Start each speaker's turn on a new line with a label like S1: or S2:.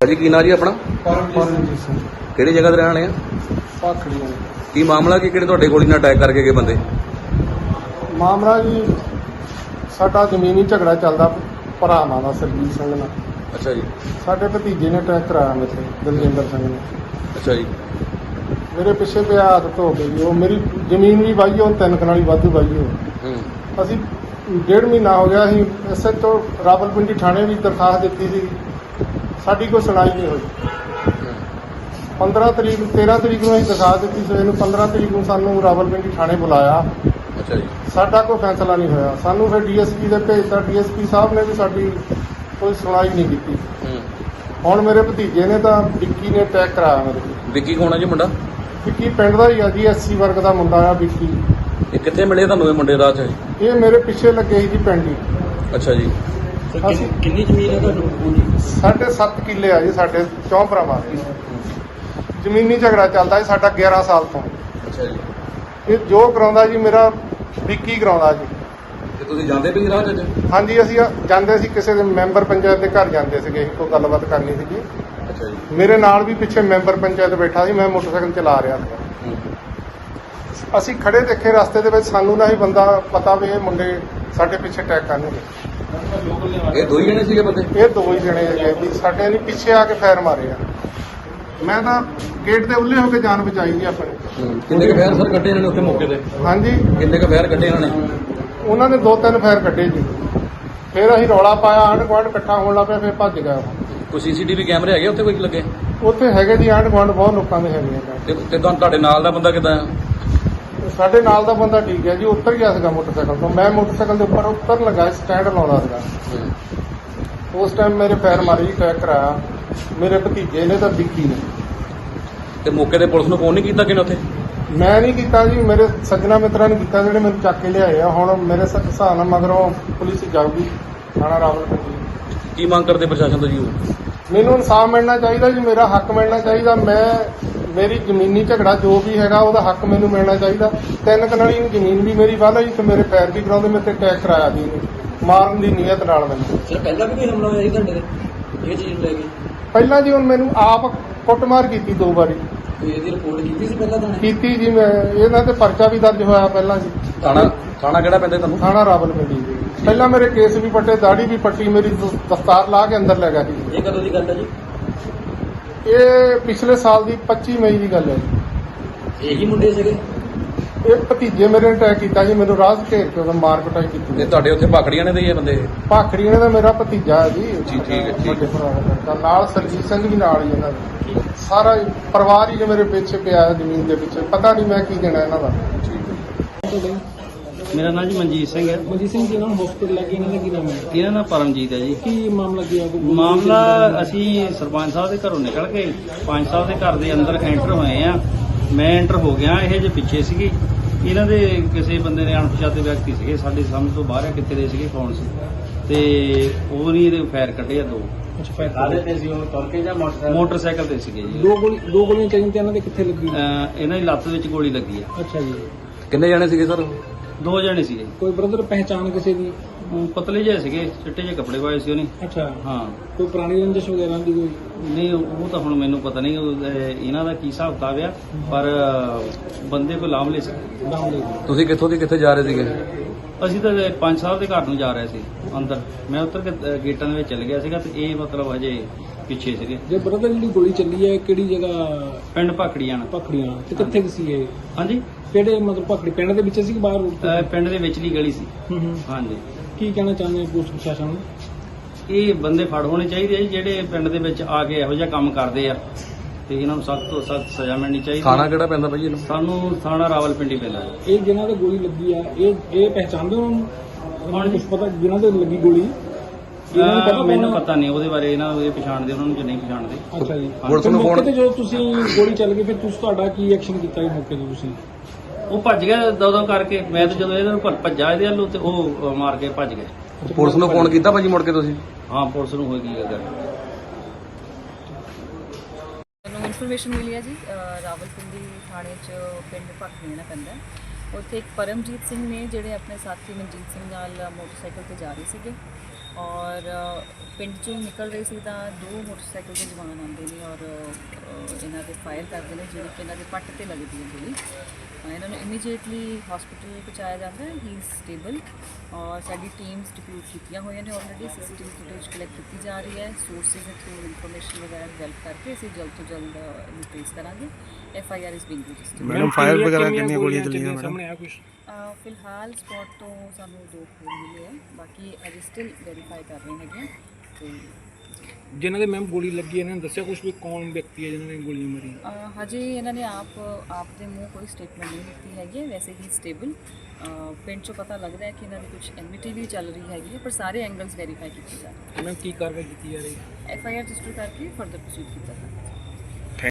S1: ਭਾਜੀ ਕੀ ਨਾਂ ਜੀ ਆਪਣਾ?
S2: ਪਰਮਜੀਤ ਸਿੰਘ
S1: ਕਿਹੜੀ ਜਗ੍ਹਾ ਤੇ ਰਹਿਣ ਵਾਲੇ ਆ?
S2: ਭਾਖੜੀਆਂ।
S1: ਕੀ ਮਾਮਲਾ ਕੀ ਕਿਹੜੇ ਤੁਹਾਡੇ ਗੋਲੀ ਨਾਲ ਅਟੈਕ ਕਰਕੇ ਗਏ ਬੰਦੇ?
S2: ਮਾਮਲਾ ਜੀ ਸਾਡਾ ਜ਼ਮੀਨੀ ਝਗੜਾ ਚੱਲਦਾ ਭਰਾਵਾਂ ਦਾ ਸਰਜੀਤ ਸਿੰਘ ਨਾਲ।
S1: ਅੱਛਾ ਜੀ।
S2: ਸਾਡੇ ਭਤੀਜੇ ਨੇ ਅਟੈਕ ਕਰਾਇਆ ਮੇਰੇ ਤੇ, ਦਲਜਿੰਦਰ ਸਿੰਘ ਨੇ।
S1: ਅੱਛਾ ਜੀ।
S2: ਮੇਰੇ ਪਿੱਛੇ ਤੇ ਆਦਤ ਹੋ ਗਈ, ਉਹ ਮੇਰੀ ਜ਼ਮੀਨ ਵੀ ਵਾਹੀ, ਉਹ 3 ਕਨਾਲੀ ਵਾਧੂ ਵਾਹੀ ਹੋ। ਅਸੀਂ 1.5 ਮਹੀਨਾ ਹੋ ਗਿਆ, ਅਸੀਂ SHO ਰਾਵਲਪਿੰਡੀ ਥਾਣੇ ਵੀ ਦਰਖਾਸਤ ਦਿੱਤੀ ਸੀ, ਸਾਡੀ ਕੋਈ ਸੁਣਾਈ ਨਹੀਂ ਹੋਈ। 13 ਤਰੀਕ ਨੂੰ ਅਸੀਂ ਦਰਖਾਸਤ ਦਿੱਤੀ ਸੀ, ਇਹਨੂੰ 15 ਤਰੀਕ ਨੂੰ ਸਾਨੂੰ ਰਾਵਲਪਿੰਡੀ ਥਾਣੇ ਬੁਲਾਇਆ।
S1: ਅੱਛਾ ਜੀ।
S2: ਸਾਡਾ ਕੋਈ ਫੈਸਲਾ ਨਹੀਂ ਹੋਇਆ। ਸਾਨੂੰ ਫਿਰ DSP ਦੇ ਭੇਜਤਾ, DSP ਸਾਹਿਬ ਨੇ ਵੀ ਸਾਡੀ ਕੋਈ ਸੁਣਾਈ ਨਹੀਂ ਕੀਤੀ। ਹੁਣ ਮੇਰੇ ਭਤੀਜੇ ਨੇ ਤਾਂ ਵਿੱਕੀ ਨੇ ਅਟੈਕ ਕਰਾਇਆ ਮੇਰੇ ਤੇ।
S1: ਵਿੱਕੀ ਕੌਣ ਆ ਜੀ ਮੁੰਡਾ?
S2: ਵਿੱਕੀ ਪਿੰਡ ਦਾ ਹੀ ਆ ਜੀ, SC ਵਰਗ ਦਾ ਮੁੰਡਾ ਆ ਵਿੱਕੀ।
S1: ਇਹ ਕਿੱਥੇ ਮਿਲੇ ਤੁਹਾਨੂੰ ਇਹ ਮੁੰਡੇ ਰਾਹ 'ਚ?
S2: ਇਹ ਮੇਰੇ ਪਿੱਛੇ ਲੱਗੇ ਸੀ ਜੀ ਪਿੰਡ ਹੀ।
S1: ਅੱਛਾ ਜੀ।
S3: ਕਿੰਨੀ ਜ਼ਮੀਨ ਹੈ ਤੁਹਾਨੂੰ?
S2: 7.5 ਕਿੱਲੇ ਆ ਜੀ ਸਾਡੇ 4 ਭਰਾਵਾਂ ਦੀ। ਜ਼ਮੀਨੀ ਝਗੜਾ ਚੱਲਦਾ ਜੀ ਸਾਡਾ 11 ਸਾਲ ਤੋਂ।
S1: ਅੱਛਾ ਜੀ।
S2: ਇਹ ਜੋ ਕਰਾਉਂਦਾ ਜੀ ਮੇਰਾ ਵਿੱਕੀ ਕਰਾਉਂਦਾ ਜੀ।
S1: ਤੇ ਤੁਸੀਂ ਜਾਂਦੇ ਵੀ ਰਾਹ 'ਚ?
S2: ਹਾਂਜੀ, ਅਸੀਂ ਜਾਂਦੇ ਸੀ ਕਿਸੇ ਦੇ ਮੈਂਬਰ ਪੰਚਾਇਤ ਦੇ ਘਰ ਜਾਂਦੇ ਸੀਗੇ, ਕੋਈ ਗੱਲਬਾਤ ਕਰਨੀ ਸੀਗੀ।
S1: ਅੱਛਾ ਜੀ।
S2: ਮੇਰੇ ਨਾਲ ਵੀ ਪਿੱਛੇ ਮੈਂਬਰ ਪੰਚਾਇਤ ਬੈਠਾ ਸੀ, ਮੈਂ ਮੋਟਰਸਾਈਕਲ ਚਲਾ ਰਿਹਾ ਸੀ। ਅਸੀਂ ਖੜੇ ਦੇਖੇ ਰਸਤੇ ਦੇ ਵਿੱਚ, ਸਾਨੂੰ ਨਾ ਹੀ ਬੰਦਾ ਪਤਾ ਵੀ ਇਹ ਮੁੰਡੇ ਸਾਡੇ ਪਿੱਛੇ ਅਟੈਕ ਕਰਨਗੇ।
S1: ਇਹ ਦੋ ਹੀ ਜਣੇ ਸੀਗੇ ਬੰਦੇ?
S2: ਇਹ 2 ਹੀ ਜਣੇ ਹੈਗੇ ਜੀ, ਸਾਡੇ ਨੇ ਪਿੱਛੇ ਆ ਕੇ ਫਾਇਰ ਮਾਰੇ ਆ। ਮੈਂ ਤਾਂ ਗੇਟ ਦੇ ਉੱਲੇ ਹੋ ਕੇ ਜਾਨ ਬਚਾਈ ਜੀ ਆਪਣੀ।
S1: ਕਿੰਨੇ ਕੁ ਫਾਇਰ ਸਰ ਕੱਢੇ ਇਹਨਾਂ ਨੇ ਉੱਥੇ ਮੌਕੇ ਤੇ?
S2: ਹਾਂਜੀ,
S1: ਕਿੰਨੇ ਕੁ ਫਾਇਰ ਕੱਢੇ ਇਹਨਾਂ ਨੇ?
S2: ਉਹਨਾਂ ਨੇ 2-3 ਫਾਇਰ ਕੱਢੇ ਜੀ। ਫਿਰ ਅਸੀਂ ਰੌਲਾ ਪਾਇਆ, ਆਂਢ ਗੁਆਂਢ ਇਕੱਠਾ ਹੋਣ ਲੱਗ ਪਿਆ, ਫਿਰ ਭੱਜ ਗਿਆ ਉਹ।
S1: ਕੋਈ CCTV ਕੈਮਰੇ ਹੈਗੇ ਉੱਥੇ ਕੋਈ ਲੱਗੇ?
S2: ਉੱਥੇ ਹੈਗੇ ਜੀ, ਆਂਢ ਗੁਆਂਢ ਬਹੁਤ ਲੋਕਾਂ ਦੇ ਹੈਗੇ ਆ।
S1: ਤੇ ਤੁਹਾਡੇ ਨਾਲ ਦਾ ਬੰਦਾ ਕਿੱਦਾਂ ਆ?
S2: ਸਾਡੇ ਨਾਲ ਦਾ ਬੰਦਾ ਠੀਕ ਹੈ ਜੀ, ਉੱਤਰ ਗਿਆ ਸੀਗਾ ਮੋਟਰਸਾਈਕਲ ਤੋਂ। ਮੈਂ ਮੋਟਰਸਾਈਕਲ ਦੇ ਉੱਪਰ ਉਤਰਨ ਲੱਗਾ, ਸਟੈਂਡ ਲਾਉਂਦਾ ਸੀਗਾ। ਉਸ ਟਾਈਮ ਮੇਰੇ ਫਾਇਰ ਮਾਰੀ, ਅਟੈਕ ਕਰਾਇਆ ਮੇਰੇ ਭਤੀਜੇ ਨੇ ਤਾਂ ਵਿੱਕੀ ਨੇ।
S1: ਤੇ ਮੌਕੇ ਤੇ ਪੁਲਿਸ ਨੂੰ ਫੋਨ ਨਹੀਂ ਕੀਤਾ ਕਿਨੇ ਉੱਥੇ?
S2: ਮੈਂ ਨਹੀਂ ਕੀਤਾ ਜੀ, ਮੇਰੇ ਸੱਜਣਾ ਮਿੱਤਰਾਂ ਨੇ ਕੀਤਾ ਜਿਹੜੇ ਮੈਨੂੰ ਚੱਕ ਕੇ ਲਿਆਏ ਆ। ਹੁਣ ਮੇਰੇ ਹਿਸਾਬ ਨਾਲ ਮਗਰੋਂ ਪੁਲਿਸ ਜਾਊਗੀ ਥਾਣਾ ਰਾਵਲਪਿੰਡੀ।
S1: ਕੀ ਮੰਗ ਕਰਦੇ ਪ੍ਰਸ਼ਾਸਨ ਤੋਂ ਜੀ?
S2: ਮੈਨੂੰ ਇਨਸਾਫ ਮਿਲਣਾ ਚਾਹੀਦਾ ਜੀ, ਮੇਰਾ ਹੱਕ ਮਿਲਣਾ ਚਾਹੀਦਾ। ਮੇਰੀ ਜ਼ਮੀਨੀ ਝਗੜਾ ਜੋ ਵੀ ਹੈਗਾ ਉਹਦਾ ਹੱਕ ਮੈਨੂੰ ਮਿਲਣਾ ਚਾਹੀਦਾ। 3 ਕਨਾਲੀ ਜ਼ਮੀਨ ਵੀ ਮੇਰੀ ਵਾਲਾ ਜੀ, ਤੇ ਮੇਰੇ ਪੈਰ ਵੀ ਕਰਾਉਂਦੇ, ਮੇਰੇ ਤੇ ਅਟੈਕ ਕਰਾਇਆ ਜੀ ਮਾਰਨ ਦੀ ਨੀਅਤ ਨਾਲ ਮੈਨੂੰ।
S3: ਸਰ ਪਹਿਲਾਂ ਵੀ ਕੋਈ ਹਮਲਾ ਹੋਇਆ ਸੀ ਤੁਹਾਡੇ ਤੇ ਇਹ ਚੀਜ਼ ਲੈ ਕੇ?
S2: ਪਹਿਲਾਂ ਜੀ ਹੁਣ ਮੈਨੂੰ ਆਪ ਕੁੱਟਮਾਰ ਕੀਤੀ 2 ਵਾਰੀ।
S3: ਕੋਈ ਇਹਦੀ ਰਿਪੋਰਟ ਕੀਤੀ ਸੀ ਪਹਿਲਾਂ ਥਾਣੇ?
S2: ਕੀਤੀ ਜੀ, ਮੈਂ ਇਹਨਾਂ ਤੇ ਪਰਚਾ ਵੀ ਦਰਜ ਹੋਇਆ ਪਹਿਲਾਂ ਜੀ।
S1: ਥਾਣਾ ਕਿਹੜਾ ਪੈਂਦਾ ਤੁਹਾਨੂੰ?
S2: ਥਾਣਾ ਰਾਵਲਪਿੰਡੀ ਜੀ। ਪਹਿਲਾਂ ਮੇਰੇ ਕੇਸ ਵੀ ਪੱਟੇ, ਦਾੜੀ ਵੀ ਪੱਟੀ, ਮੇਰੀ ਦਸਤਾਰ ਲਾ ਕੇ ਅੰਦਰ ਲੈ ਗਿਆ ਸੀ।
S3: ਇਹ ਕਦੋਂ ਦੀ ਗੱਲ ਹੈ ਜੀ?
S2: ਇਹ ਪਿਛਲੇ ਸਾਲ ਦੀ 25 ਮਈ ਦੀ ਗੱਲ ਹੈ ਜੀ।
S3: ਇਹੀ ਮੁੰਡੇ ਸੀਗੇ?
S2: ਇਹ ਭਤੀਜੇ ਮੇਰੇ ਨੇ ਅਟੈਕ ਕੀਤਾ ਜੀ, ਮੈਨੂੰ ਰਾਹ 'ਚ ਘੇਰ ਕੇ ਉਹਦਾ ਮਾਰ ਕੁਟਾਈ ਕੀਤੀ।
S1: ਤੇ ਤੁਹਾਡੇ ਉੱਥੇ ਭਾਖੜੀਆਂ ਨੇ ਦੇ ਇਹ ਬੰਦੇ?
S2: ਭਾਖੜੀਆਂ ਦਾ ਮੇਰਾ ਭਤੀਜਾ ਹੈ ਜੀ।
S1: ਠੀਕ ਹੈ, ਠੀਕ।
S2: ਵੱਡੇ ਭਰਾ ਦਾ ਲੜਕਾ, ਨਾਲ ਸਰਜੀਤ ਸਿੰਘ ਵੀ ਨਾਲ ਹੀ ਇਹਨਾਂ ਦਾ। ਸਾਰਾ ਪਰਿਵਾਰ ਹੀ ਜੋ ਮੇਰੇ ਪਿੱਛੇ ਪਿਆ ਹੈ ਜ਼ਮੀਨ ਦੇ ਵਿੱਚ। ਪਤਾ ਨਹੀਂ ਮੈਂ ਕੀ ਦੇਣਾ ਇਹਨਾਂ ਦਾ।
S4: ਮੇਰਾ ਨਾਮ ਜੀ ਮਨਜੀਤ ਸਿੰਘ ਹੈ।
S3: ਮਨਜੀਤ ਸਿੰਘ ਜੀ ਨਾਲ ਹਸਪੀਟਲ ਲੈ ਕੇ ਇਹਨਾਂ ਦਾ ਕੀ ਨਾਮ ਹੈ?
S4: ਇਹਨਾਂ ਨਾਲ ਪਰਮਜੀਤ ਹੈ ਜੀ।
S3: ਕੀ ਮਾਮਲਾ ਕੀ ਹੈ?
S4: ਮਾਮਲਾ ਅਸੀਂ ਸਰਪੰਚ ਸਾਹਿਬ ਦੇ ਘਰੋਂ ਨਿਕਲ ਕੇ ਪੰਚ ਸਾਹਿਬ ਦੇ ਘਰ ਦੇ ਅੰਦਰ ਐਂਟਰ ਹੋਏ ਆ। ਮੈਂ ਐਂਟਰ ਹੋ ਗਿਆ, ਇਹ ਜੇ ਪਿੱਛੇ ਸੀਗੇ। ਇਹਨਾਂ ਦੇ ਕਿਸੇ ਬੰਦੇ ਨੇ ਅਣਪਛਾਤੇ ਵਿਅਕਤੀ ਸੀਗੇ, ਸਾਡੀ ਸਮਝ ਤੋਂ ਬਾਹਰ ਆ ਕਿੱਥੇ ਦੇ ਸੀਗੇ, ਕੌਣ ਸੀ। ਤੇ ਉਹ ਨਹੀਂ ਇਹਦੇ ਫਾਇਰ ਕੱਢੇ ਆ 2।
S3: ਅੱਛਾ, ਫਾਇਰ ਕਾਹਦੇ ਤੇ ਸੀ ਉਹ? ਤੁਰ ਕੇ ਜਾਂ
S4: ਮੋਟਰਸਾਈਕਲ ਤੇ ਸੀਗੇ ਜੀ।
S3: 2 ਗੋਲੀਆਂ ਚੱਲੀਆਂ ਤੇ ਇਹਨਾਂ ਦੇ ਕਿੱਥੇ ਲੱਗੀ?
S4: ਇਹਨਾਂ ਦੀ ਲੱਤ ਵਿੱਚ ਗੋਲੀ ਲੱਗੀ ਆ।
S3: ਅੱਛਾ ਜੀ।
S1: ਕਿੰਨੇ ਜਣੇ ਸੀਗੇ ਸਰ?
S4: 2 ਜਣੇ ਸੀਗੇ।
S3: ਕੋਈ ਬ੍ਰਦਰ ਪਹਿਚਾਣ ਕਿਸੇ ਦੀ?
S4: ਪਤਲੇ ਜਿਹੇ ਸੀਗੇ, ਚਿੱਟੇ ਜਿਹੇ ਕੱਪੜੇ ਪਾਏ ਸੀ ਉਹਨੇ।
S3: ਅੱਛਾ,
S4: ਹਾਂ।
S3: ਕੋਈ ਪੁਰਾਣੀ ਰੰਜਿਸ਼ ਵਗੈਰਾ ਦੀ ਕੋਈ?
S4: ਨਹੀਂ, ਉਹ ਤਾਂ ਹੁਣ ਮੈਨੂੰ ਪਤਾ ਨਹੀਂ ਇਹਨਾਂ ਦਾ ਕੀ ਹਿਸਾਬ ਕਿਤਾਬ ਆ, ਪਰ ਬੰਦੇ ਕੋਈ ਲਾਮਲੇ ਸੀ।
S1: ਤੁਸੀਂ ਕਿੱਥੋਂ ਦੀ ਕਿੱਥੇ ਜਾ ਰਹੇ ਸੀਗੇ?
S4: ਅਸੀਂ ਤਾਂ ਪੰਚ ਸਾਹਿਬ ਦੇ ਘਰ ਨੂੰ ਜਾ ਰਹੇ ਸੀ ਅੰਦਰ। ਮੈਂ ਉੱਤਰ ਕੇ ਗੇਟਾਂ ਦੇ ਵਿੱਚ ਚੱਲ ਗਿਆ ਸੀਗਾ, ਤੇ ਇਹ ਮਤਲਬ ਹਜੇ ਪਿੱਛੇ ਸੀਗੇ।
S3: ਜੇ ਬ੍ਰਦਰ ਜਿਹੜੀ ਗੋਲੀ ਚੱਲੀ ਹੈ ਕਿਹੜੀ ਜਗ੍ਹਾ?
S4: ਪਿੰਡ ਭਾਖੜੀਆਂ।
S3: ਪਖੜੀਆਂ ਤੇ ਕਿੱਥੇ ਸੀ ਇਹ?
S4: ਹਾਂਜੀ,
S3: ਕਿਹੜੇ ਮਤਲਬ ਪਖੜੀ ਪਿੰਡ ਦੇ ਵਿੱਚ ਸੀ ਕਿ ਬਾਹਰ ਰੋਡ ਤੇ?
S4: ਪਿੰਡ ਦੇ ਵਿਚਲੀ ਗਲੀ ਸੀ। ਹਾਂਜੀ।
S3: ਕੀ ਕਹਿਣਾ ਚਾਹੁੰਦੇ ਪੁਲਿਸ ਪ੍ਰਸ਼ਾਸਨ ਨੂੰ?
S4: ਇਹ ਬੰਦੇ ਫੜ ਹੋਣੇ ਚਾਹੀਦੇ ਆ ਜੀ, ਜਿਹੜੇ ਪਿੰਡ ਦੇ ਵਿੱਚ ਆ ਕੇ ਇਹੋ ਜਿਹਾ ਕੰਮ ਕਰਦੇ ਆ, ਤੇ ਇਹਨਾਂ ਨੂੰ ਸਖਤ ਤੋਂ ਸਖਤ ਸਜ਼ਾ ਮਿਲਣੀ ਚਾਹੀਦੀ।
S1: ਥਾਣਾ ਕਿਹੜਾ ਪੈਂਦਾ ਭਾਈ ਇਹਨੂੰ?
S4: ਸਾਨੂੰ ਥਾਣਾ ਰਾਵਲਪਿੰਡੀ ਪੈਂਦਾ।
S3: ਇਹ ਜਿਨ੍ਹਾਂ ਦੇ ਗੋਲੀ ਲੱਗੀ ਆ, ਇਹ ਪਹਿਚਾਣਦੇ ਉਹਨਾਂ ਨੂੰ? ਕੁਝ ਪਤਾ ਜਿਨ੍ਹਾਂ ਦੇ ਲੱਗੀ ਗੋਲੀ?
S4: ਮੈਨੂੰ ਪਤਾ ਨਹੀਂ ਉਹਦੇ ਬਾਰੇ, ਇਹਨਾਂ ਨੂੰ ਇਹ ਪਛਾਣਦੇ, ਉਹਨਾਂ ਨੂੰ ਜੇ ਨਹੀਂ ਪਛਾਣਦੇ।
S3: ਅੱਛਾ ਜੀ।
S1: ਪੁਲਿਸ ਨੂੰ
S3: ਮੌਕੇ ਤੇ ਜੋ ਤੁਸੀਂ ਗੋਲੀ ਚੱਲ ਗਈ, ਫਿਰ ਤੁਹਾਡਾ ਕੀ ਐਕਸ਼ਨ ਕੀਤਾ ਜੀ ਮੌਕੇ ਤੇ ਤੁਸੀਂ?
S4: ਉਹ ਭੱਜ ਗਿਆ ਦੋ ਕਰਕੇ। ਮੈਂ ਤਾਂ ਜਦੋਂ ਇਹਨਾਂ ਨੂੰ ਭੱਜਾ ਇਹਦੇ ਵੱਲੋਂ, ਤੇ ਉਹ ਮਾਰ ਕੇ ਭੱਜ ਗਏ।
S1: ਪੁਲਿਸ ਨੂੰ ਫੋਨ ਕੀਤਾ ਭਾਜੀ ਮੁੜ ਕੇ ਤੁਸੀਂ?
S4: ਹਾਂ, ਪੁਲਿਸ ਨੂੰ ਹੋਈ ਕੀ ਗੱਲ।
S5: ਮੈਨੂੰ ਇਨਫੋਰਮੇਸ਼ਨ ਮਿਲੀ ਹੈ ਜੀ, ਰਾਵਲਪਿੰਡੀ ਥਾਣੇ 'ਚ ਪਿੰਡ ਭਾਖੜੀਆਂ ਪੈਂਦਾ। ਉੱਥੇ ਇੱਕ ਪਰਮਜੀਤ ਸਿੰਘ ਨੇ ਜਿਹੜੇ ਆਪਣੇ ਸਾਥੀ ਮਨਜੀਤ ਸਿੰਘ ਨਾਲ ਮੋਟਰਸਾਈਕਲ ਤੇ ਜਾ ਰਹੇ ਸੀਗੇ, ਔਰ ਪਿੰਡ ਚੋਂ ਨਿਕਲ ਰਹੇ ਸੀ ਤਾਂ 2 ਮੋਟਰਸਾਈਕਲ ਦੇ ਜਵਾਨ ਆਉਂਦੇ ਨੇ ਔਰ ਇਹਨਾਂ ਦੇ ਫਾਇਰ ਕਰਦੇ ਨੇ, ਜਿਹੜੀ ਕਿ ਇਹਨਾਂ ਦੇ ਪੱਟ ਤੇ ਲੱਗਦੀ ਹੈ ਗੋਲੀ। ਇਹਨਾਂ ਨੂੰ ਇਮੀਡੀਏਟਲੀ ਹਸਪੀਟਲ ਪਹੁੰਚਾਇਆ ਜਾਂਦਾ ਹੈ। ਹੀ ਇਜ਼ ਸਟੇਬਲ ਔਰ ਸਾਡੀ ਟੀਮਸ ਡਿਪਲੋਟ ਕੀਤੀਆਂ ਹੋਈਆਂ ਨੇ ਆਲਰੇਡੀ। CCTV ਫੁਟੇਜ ਕਲੈਕਟ ਕੀਤੀ ਜਾ ਰਹੀ ਹੈ। ਸੋਰਸਿਸ ਦੇ ਥਰੂ ਇਨਫੋਰਮੇਸ਼ਨ ਵਗੈਰਾ ਡਿਵੈਲਪ ਕਰਕੇ ਅਸੀਂ ਜਲਦ ਤੋਂ ਜਲਦ ਇਹਨੂੰ ਟ੍ਰੇਸ ਕਰਾਂਗੇ। FIR is being registered.
S3: Madam fire ਵਗੈਰਾ ਕਿੰਨੀਆਂ ਗੋਲੀਆਂ ਚੱਲੀਆਂ ਸਾਹਮਣੇ ਆ ਕੁਝ?
S5: ਫਿਲਹਾਲ ਸਪੌਟ ਤੋਂ ਸਾਨੂੰ 2 ਖੋਲ ਮਿਲੇ ਹੈ, ਬਾਕੀ ਅਜੇ ਸਟਿਲ ਵੈਰੀਫਾਈ ਕਰ ਰਹੇ ਹੈਗੇ ਤੇ
S3: ਜਿਨ੍ਹਾਂ ਦੇ ਮੈਮ ਗੋਲੀ ਲੱਗੀ ਇਹਨਾਂ ਨੇ ਦੱਸਿਆ ਕੁਝ ਵੀ ਕੌਣ ਵਿਅਕਤੀ ਹੈ ਜਿਨ੍ਹਾਂ ਨੇ ਗੋਲੀਆਂ ਮਾਰੀਆਂ?
S5: ਹਜੇ ਇਹਨਾਂ ਨੇ ਆਪ ਦੇ ਮੂੰਹ ਕੋਈ ਸਟੇਟਮੈਂਟ ਨਹੀਂ ਦਿੱਤੀ ਹੈਗੀ ਹੈ। ਵੈਸੇ ਹੀ ਸਟੇਬਲ ਪਿੰਡ 'ਚੋਂ ਪਤਾ ਲੱਗਦਾ ਹੈ ਕਿ ਇਹਨਾਂ ਦੀ ਕੁਝ ਐਨਮਿਟੀ ਵੀ ਚੱਲ ਰਹੀ ਹੈਗੀ ਹੈ, ਪਰ ਸਾਰੇ ਐਂਗਲਸ ਵੈਰੀਫਾਈ ਕੀਤੇ ਜਾ ਰਹੇ।
S3: ਮੈਮ ਕੀ ਕਾਰਵਾਈ ਕੀਤੀ ਜਾ ਰਹੀ ਹੈ?
S5: FIR ਰਜਿਸਟਰ ਕਰਕੇ ਫਰਦਰ ਪ੍ਰੋਸੀਡ ਕੀਤਾ ਜਾ ਰਿਹਾ।